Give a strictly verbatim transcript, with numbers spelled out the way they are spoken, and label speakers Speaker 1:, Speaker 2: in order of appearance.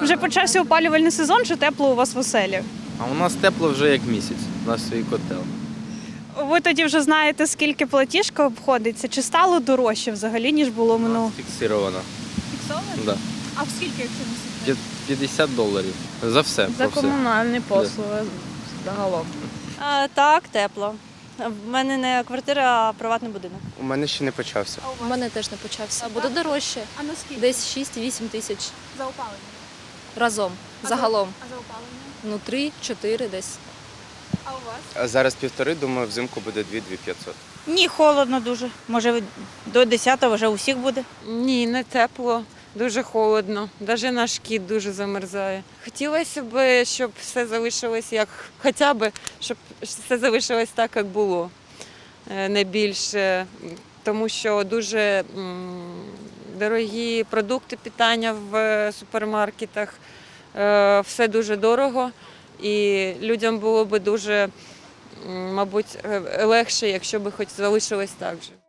Speaker 1: Вже почався опалювальний сезон, чи тепло у вас в оселі?
Speaker 2: А у нас тепло вже як місяць, у нас свій котел.
Speaker 1: Ви тоді вже знаєте, скільки платіжка обходиться? Чи стало дорожче взагалі, ніж було минулого?
Speaker 2: Фіксировано.
Speaker 1: Фіксовано?
Speaker 2: Да.
Speaker 1: А в скільки, якщо не секрет?
Speaker 2: п'ятдесят доларів. За все.
Speaker 3: За
Speaker 2: про все.
Speaker 3: комунальні послуги загалом.
Speaker 4: А, так, тепло. В мене не квартира, а приватний будинок.
Speaker 5: У мене ще не почався.
Speaker 6: У мене теж не почався. Буде дорожче.
Speaker 1: А наскільки?
Speaker 6: Десь шість-вісім тисяч
Speaker 1: За опалення.
Speaker 6: разом.
Speaker 1: А
Speaker 6: Загалом.
Speaker 1: А за опалення?
Speaker 6: Ну, три-чотири десь.
Speaker 1: А у вас?
Speaker 5: А зараз півтори, думаю, взимку буде дві-дві п'ятсот.
Speaker 7: Ні, холодно дуже. Може, до десятого вже усіх буде.
Speaker 3: Ні, не тепло, дуже холодно. Навіть наш кіт дуже замерзає. Хотілося б, щоб все залишилось як, хоча б, щоб все залишилось так, як було. Е, Не більше, тому що дуже м, дорогі продукти питання в супермаркетах, е, все дуже дорого. І людям було б дуже, м, мабуть, е, легше, якщо б хоч залишилось так же.